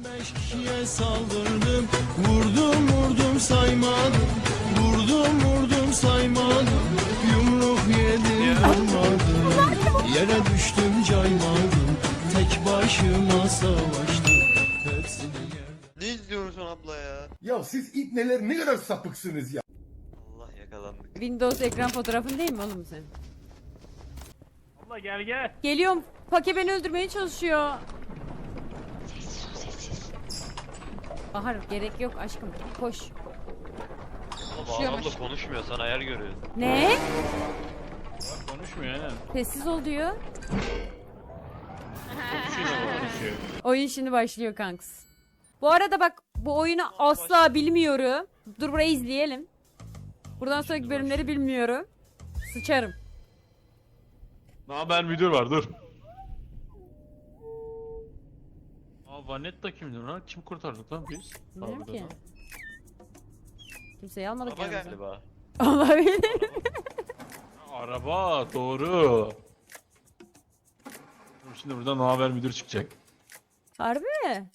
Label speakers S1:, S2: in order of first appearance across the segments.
S1: 5 kişiye saldırdım, vurdum vurdum saymadım, vurdum saymadım, yumruk yedim vurmadım, yere düştüm caymadım, tek başıma savaştım, hepsini yerdim.
S2: Ne izliyorsun abla ya?
S3: Ya siz ipneler ne kadar sapıksınız ya.
S2: Allah yakalandık.
S4: Windows ekran fotoğrafın değil mi oğlum sen?
S5: Abla gel.
S4: Geliyorum. Pake beni öldürmeye çalışıyor.
S6: Sessiz ol sessiz.
S4: Bahar gerek yok aşkım. Koş.
S2: Abla abla konuşmuyor, sana ayar görüyor.
S4: Ne?
S5: Konuşmuyor aynen.
S4: Sessiz ol diyor.
S5: Konuşuyor.
S4: Oyun şimdi başlıyor kanks. Bu arada bak bu oyunu asla bilmiyorum. Dur burayı izleyelim. Buradan sonraki bölümleri bilmiyorum. Sıçarım.
S5: Ne haber müdür var dur. Aa Vanetta kimdir lan? Kim kurtardık lan biz?
S4: Bilmiyorum
S5: Harbiden
S4: ki.
S5: ha.
S4: Kimseyi almadık
S2: Araba
S4: yanımıza.
S2: galiba.
S4: Olabilir.
S5: Araba doğru. Şimdi buradan ne haber müdür çıkacak.
S4: Harbi mi?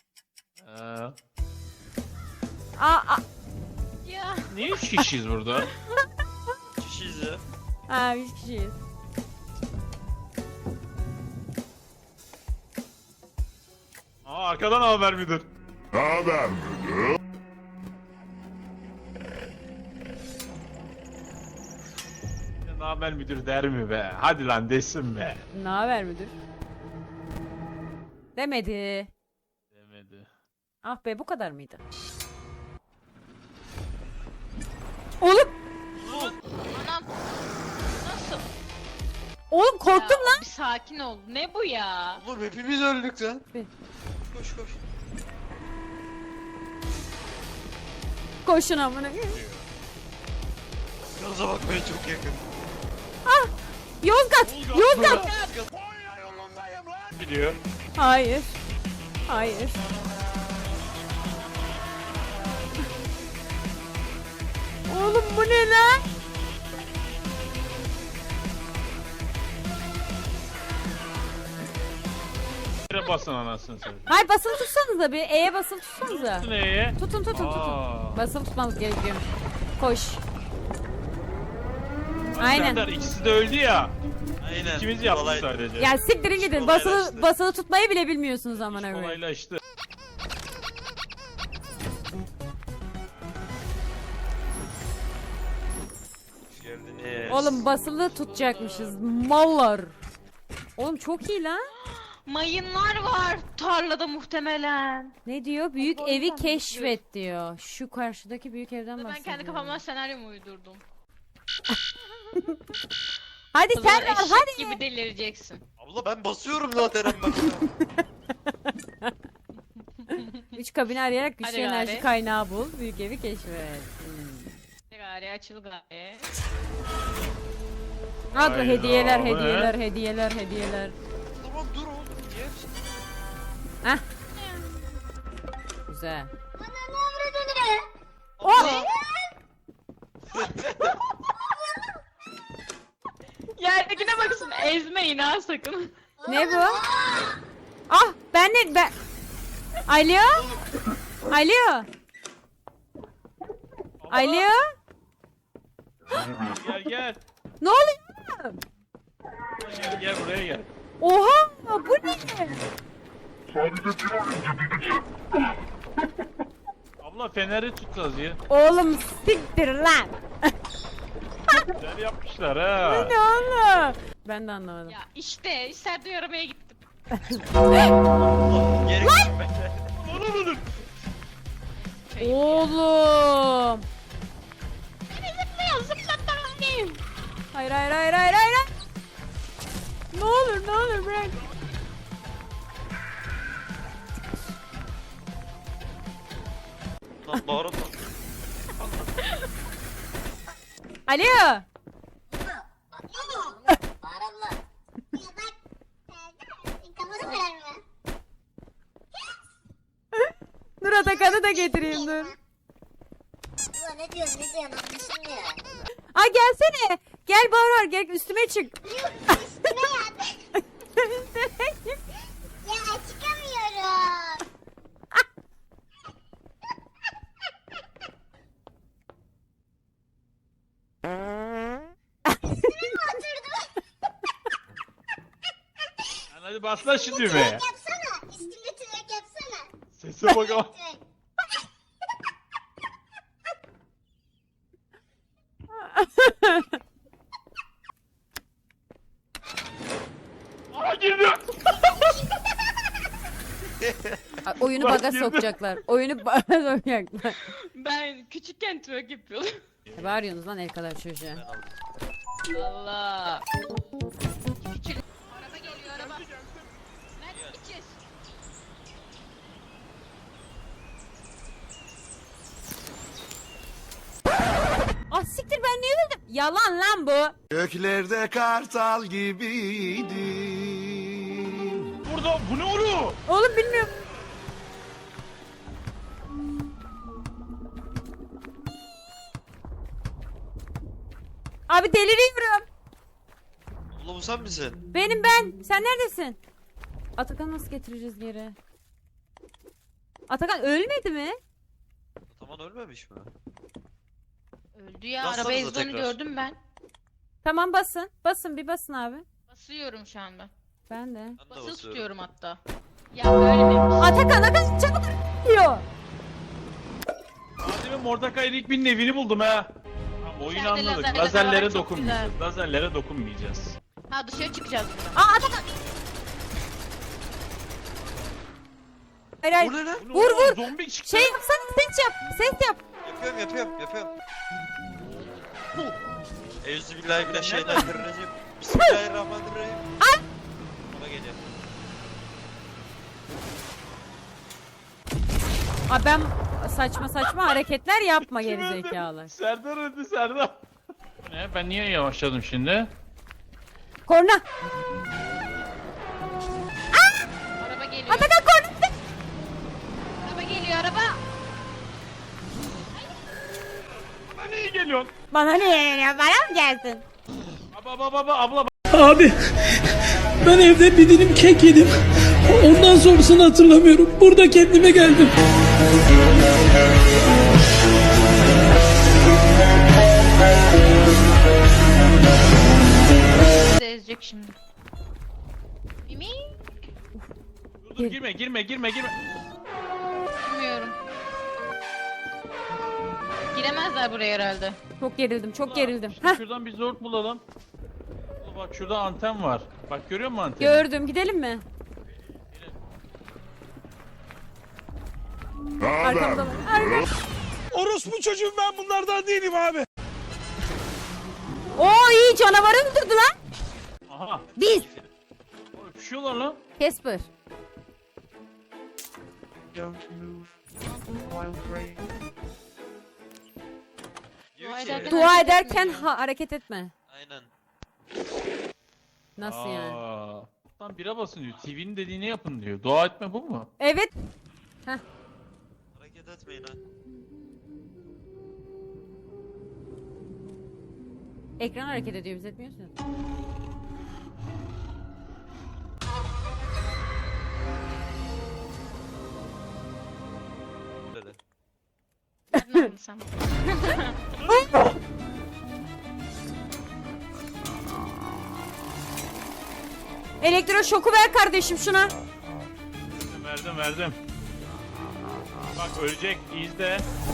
S4: Aa.
S6: Ya.
S5: Ne 3 kişiyiz burada?
S2: Kişiyiz ya.
S4: Ha 3 kişiyiz.
S5: Aa arkadan haber müdür. Ne haber müdür der mi be? Hadi lan desin be.
S4: Ne haber müdür? Demedi.
S5: Demedi.
S4: Ah be bu kadar mıydı? Oğlum,
S6: Anam. Nasıl?
S4: oğlum korktum
S6: Ya,
S4: lan.
S6: Bir sakin ol. Ne bu ya?
S2: Oğlum hepimiz öldük lan.
S4: Bir.
S2: Koş koş.
S4: Koşun amına.
S2: Gaza bakmaya çok yakın.
S4: Yozgat, Yozgat.
S5: Gidiyor.
S4: Hayır. Hayır. Oğlum bu ne lan?
S5: Nereye basın anasını satayım.
S4: Hayır basılı tutsanıza bir. E'ye basılı tutsanıza.
S5: Neye?
S4: Tutun.
S5: Aa.
S4: Basılı tutmanız gerekiyor. Koş. Aynen.
S5: Serdar, ikisi de öldü ya.
S2: Aynen.
S5: İkimiz yaptık
S2: Kolay.
S5: sadece.
S4: Ya siktirin gidin.
S2: Kolaylaştı.
S4: Basılı tutmayı bile bilmiyorsunuz amına koyayım.
S5: Kolaylaştı.
S2: Hoş geldiniz.
S4: Oğlum basılı tutacakmışız. Mallar. Oğlum çok iyi lan.
S6: Mayınlar var tarlada muhtemelen.
S4: Ne diyor? Büyük evi keşfet diyor. Şu karşıdaki büyük evden
S6: Ben
S4: bahsediyor.
S6: kendi kafamdan senaryomu uydurdum.
S4: Hadi
S6: O zaman
S4: sen al
S6: eşek
S4: hadi.
S6: gibi delireceksin.
S2: Abla ben basıyorum zaten en başta.
S4: 3 kabini arayarak güçlü
S6: Hadi
S4: enerji
S6: gari.
S4: kaynağı bul. Büyük evi keşfet.
S6: Gari açıl gari.
S4: Hadi
S5: Hayda,
S4: hediyeler,
S5: bu ne?
S4: hediyeler.
S2: Tamam dur oğlum. Niye hepsini?
S4: Güzel.
S2: Abla.
S6: Yerdekine baksın ezmeyin ha sakın.
S4: Ne bu? Ah ben. Alo? Alo? Alo?
S5: Gel.
S4: Ne oluyor?
S5: Gel buraya gel.
S4: Oha bu ne?
S5: Abla feneri tutacağız ya.
S4: Oğlum siktir lan.
S5: Güzel yapmışlar ha.
S4: Ne oğlum? Ben de anlamadım.
S6: Ya işte Serdar'ı aramaya gittim.
S2: Geri gitme.
S4: Oğlum.
S6: Zıplıyor zıplattı annem.
S4: Hayır. Ne olur bırak.
S2: Lan bağırma.
S4: Alo.
S7: Bağırma. Ya bak. Kafanı kırarım.
S4: Dur Atakan'ı da getireyim dur.
S7: Ulan ne diyorsun anlaşılmıyor.
S4: Aa gelsene. Gel Bahar gel üstüme çık.
S7: Üstüme yat. Ya çıkamıyorum.
S5: Hadi bas lan şu düğmeye.
S7: Yapsana. Üstünde twerk yapsana.
S5: Sese bak ama.
S7: Twerk.
S5: Aa girdi.
S4: Ay, oyunu
S5: Bak,
S4: baga
S5: girdi.
S4: sokacaklar. Oyunu baga sokacaklar.
S6: Ben küçükken twerk yapıyordum.
S4: Ne bağırıyorsunuz lan el kadar çocuğa?
S6: Allah. Küçük. Araba geliyor araba. Nerede gideceğiz?
S4: Ah siktir ben niye öldüm? Yalan lan bu.
S1: Göklerde kartal gibiydim.
S5: Burada bu ne oluyor?
S4: Oğlum bilmiyorum. Abi deliriyorum.
S2: Oğlum bu sen misin?
S4: Benim ben. Sen neredesin? Atakan nasıl getireceğiz geri? Atakan ölmedi mi?
S2: Tamam ölmemiş mi?
S6: Öldü ya.
S2: Bassanıza
S6: Araba ezdi onu
S2: tekrar.
S6: gördüm ben.
S4: Tamam basın. Basın bir basın abi.
S6: Basıyorum şu anda.
S4: Ben de.
S2: Ben de
S6: Basılı
S2: basıyorum.
S6: tutuyorum hatta. Ya böyle demiş.
S4: Atakan çabuk diyor.
S5: Adem'in Mordecai'nin ilk bir evini buldum ha. Tamam, oyunu
S6: İçeride
S5: anladık.
S6: lazerler
S5: Lazerlere
S6: var, çok
S5: dokunmayacağız. Lazerlere dokunmayacağız.
S6: Ha dışarı çıkacağız buradan.
S4: Aa Atakan. Hayır hayır.
S2: Bu ne lan?
S4: Vur, vur.
S5: Zombi çıktı.
S4: Şey yapsana ses yap. Ses yap.
S2: Yapıyorum. Euzubillahimineşşeytanirracim. Bismillahirrahmanirrahim. Bana geliyor.
S4: Aa ben saçma hareketler yapma
S5: Kim öldü?
S4: gerizekalı.
S5: Serdar öldü Serdar. Ne? Ben niye yavaşladım şimdi?
S4: Korna.
S6: Araba geliyor.
S4: Atakan korna.
S6: Araba geliyor araba.
S5: Bana niye geliyorsun?
S4: Bana ne ya? Bana mı geldin?
S5: Abla.
S8: Abi ben evde bir dilim kek yedim. Ondan sonrasını hatırlamıyorum. Burada kendime geldim.
S6: Bizi ezecek şimdi. Mimi?
S5: Dur girme.
S6: Bilmiyorum. Giremezler buraya herhalde.
S4: Çok gerildim.
S5: Şimdi
S4: Heh,
S5: şuradan bir zort bulalım. Bak şurada anten var. Bak görüyor musun anteni?
S4: gördüm. Gidelim mi? Arkamda var. Arkamda.
S8: Orospu çocuğum ben bunlardan değilim abi.
S4: Oo iyi canavarı öldürdü lan.
S5: Aha.
S4: Biz.
S5: Öpüşüyorlar lan.
S4: Casper.
S2: Diyor
S6: Dua
S2: ki.
S6: ederken-
S4: Dua ederken hareket etme.
S2: Aynen.
S4: Nasıl yani?
S5: Aa. Lan bira basın diyor. TV'nin dediğini yapın diyor. Dua etme bu mu?
S4: Evet.
S2: Hareket etmeyin ha.
S4: Ekran hareket ediyor biz etmiyorsun.
S2: Dedi.
S6: Nereden aldın sen?
S4: Elektroşoku ver kardeşim şuna.
S5: Verdim. Bak ölecek. İzle.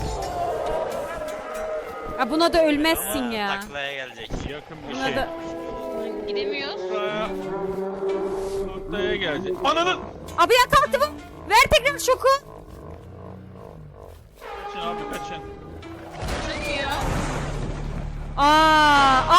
S4: Ha buna da ölmezsin ya.
S2: Taklaya gelecek.
S5: Yakın bir
S4: Buna
S5: şey.
S4: da...
S6: Gidemiyoruz.
S5: Buraya. Noktaya gelecek. Ananın.
S4: Abi ya kalktı bu. Ver tekrar şoku.
S5: Kaçın abi kaçın.
S6: Çıkmıyor.
S4: Aa.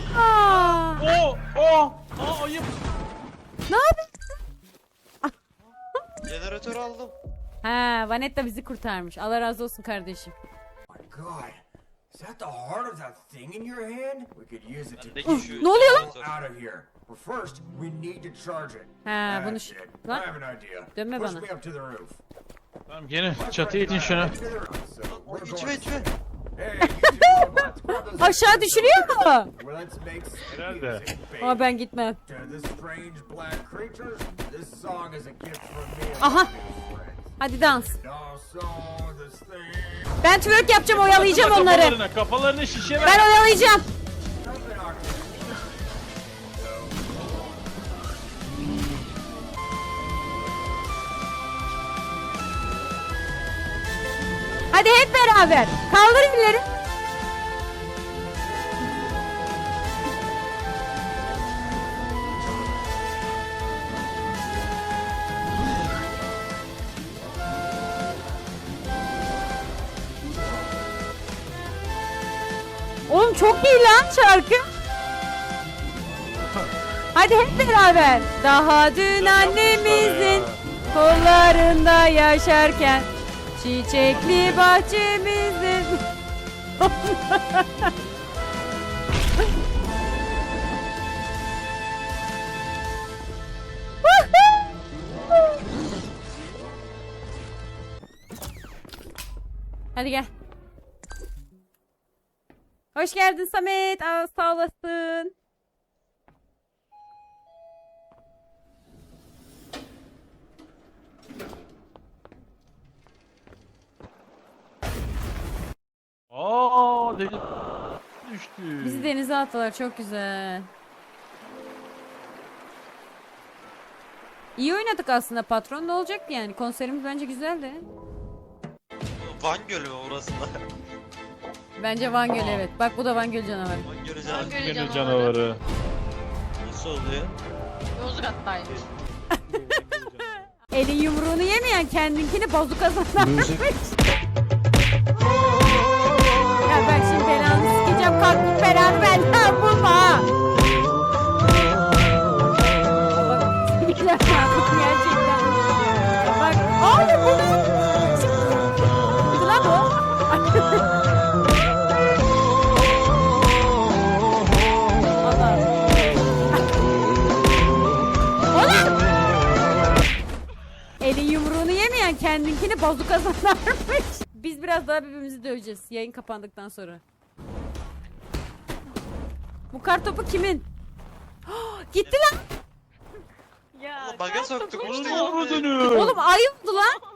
S5: Aa ayıp.
S4: Ne yapıyorsun?
S2: Jeneratörü aldım.
S4: Ha, Vanetta bizi kurtarmış. Allah razı olsun kardeşim.
S9: God, is that the heart of that thing in your hand? We could use it to
S2: Bendeki şu
S4: Ne oluyor lan?
S2: jeneratör.
S9: out of here. But first, we need to charge it.
S4: Ha, bunu
S9: That's it. I
S4: lan
S9: have an idea.
S4: dönme
S9: Push
S4: bana.
S9: me up to the roof.
S5: Tamam gelin çatıya itin şunu.
S9: To the roof. So we're
S2: İçme
S9: going.
S2: içme.
S9: Hey, you two robots, grab those
S4: Aşağı düşürüyor mu?
S9: Well, let's make some
S5: Herhalde.
S9: music, baby.
S4: Ama ben gitmem.
S9: To the strange black creatures, this song is a gift from me and
S4: Aha.
S9: my new friends.
S4: Hadi dans.
S9: And also this thing.
S4: Ben twerk yapacağım, oyalayacağım onları.
S5: Kafalarını şişe ver.
S4: Ben oyalayacağım.
S9: Something octave.
S4: Hadi hep beraber. Kaldır elleri. Oğlum çok iyi lan şarkı. Hadi hep beraber. Daha dün annemizin kollarında yaşarken çiçekli bahçemizin. Hadi gel. Hoş geldin Samet. Aa, sağ olasın.
S5: Deniz düştü.
S4: Bizi denize attılar. Çok güzel. İyi oynadık aslında patron. Ne olacak yani? Konserimiz bence güzeldi.
S2: Van Gölü mü orası da?
S4: Bence Van Gölü evet. Bak bu da Van Gölü canavarı.
S2: Van Gölü
S6: Van Gölü
S5: Gönül canavarı.
S2: nasıl oluyor?
S6: Yozgat'taymış.
S4: Elin yumruğunu yemeyen kendinkini bazuka sanarmış. Ya ben şimdi belanı sikeceğim. Kalk git belanı benden bulma. ha. Bak sinirler yaptım gerçekten. Bak abi bu ne? Çıktı lan o. Elin yumruğunu yemeyen kendinkini bazuka sanarmış. Biz biraz daha birbirimizi döveceğiz yayın kapandıktan sonra. Bu kartopu kimin? Gitti lan.
S6: Ya.
S2: Baga soktuk
S5: Onun
S2: işte.
S5: avradını.
S4: Oğlum ay oldu lan.